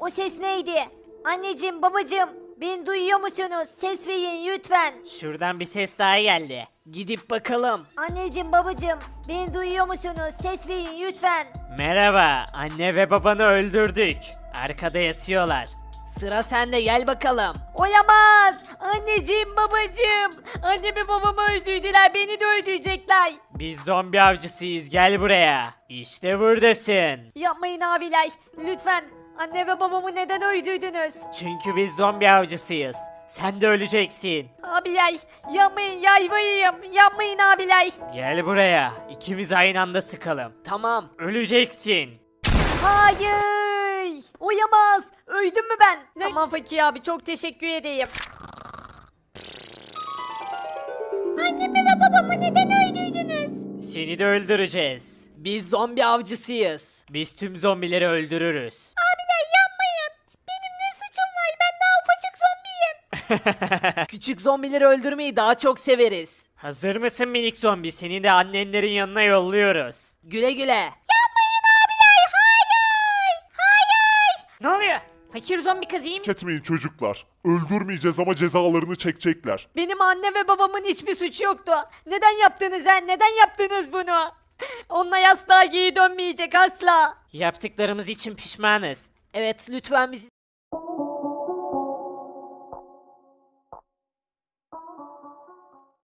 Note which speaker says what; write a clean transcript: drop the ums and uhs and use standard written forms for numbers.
Speaker 1: O ses neydi? Anneciğim, babacığım, beni duyuyor musunuz? Ses verin lütfen.
Speaker 2: Şuradan bir ses daha geldi. Gidip bakalım.
Speaker 1: Anneciğim, babacığım, beni duyuyor musunuz? Ses verin lütfen.
Speaker 2: Merhaba, anne ve babanı öldürdük. Arkada yatıyorlar.
Speaker 3: Sıra sende, gel bakalım.
Speaker 1: Oyamaz. Anneciğim, babacığım. Annemi babamı öldürdüler. Beni de öldürecekler.
Speaker 2: Biz zombi avcısıyız, gel buraya. İşte buradasın.
Speaker 1: Yapmayın abiler. Lütfen. Anne ve babamı neden öldürdünüz?
Speaker 2: Çünkü biz zombi avcısıyız. Sen de öleceksin.
Speaker 1: Abiler, yapmayın, yalvarayım. Yapmayın abiler.
Speaker 2: Gel buraya. İkimiz aynı anda sıkalım.
Speaker 3: Tamam.
Speaker 2: Öleceksin.
Speaker 1: Hayır. Oyamaz. Öldüm mü ben? Tamam Fakir abi, çok teşekkür edeyim. Annemi ve babamı neden öldürdünüz?
Speaker 2: Seni de öldüreceğiz.
Speaker 3: Biz zombi avcısıyız.
Speaker 2: Biz tüm zombileri öldürürüz.
Speaker 1: Abiler yapmayın. Benim ne suçum var? Ben daha ufacık zombiyim.
Speaker 3: Küçük zombileri öldürmeyi daha çok severiz.
Speaker 2: Hazır mısın minik zombi? Seni de annenlerin yanına yolluyoruz.
Speaker 3: Güle güle.
Speaker 1: Ne oluyor? Fakir zombi kız iyi mi?
Speaker 4: Etmeyin çocuklar. Öldürmeyeceğiz ama cezalarını çekecekler.
Speaker 1: Benim anne ve babamın hiçbir suçu yoktu. Neden yaptınız ha? Neden yaptınız bunu? Onlar asla geri dönmeyecek, asla.
Speaker 2: Yaptıklarımız için pişmanız.
Speaker 3: Evet, lütfen bizi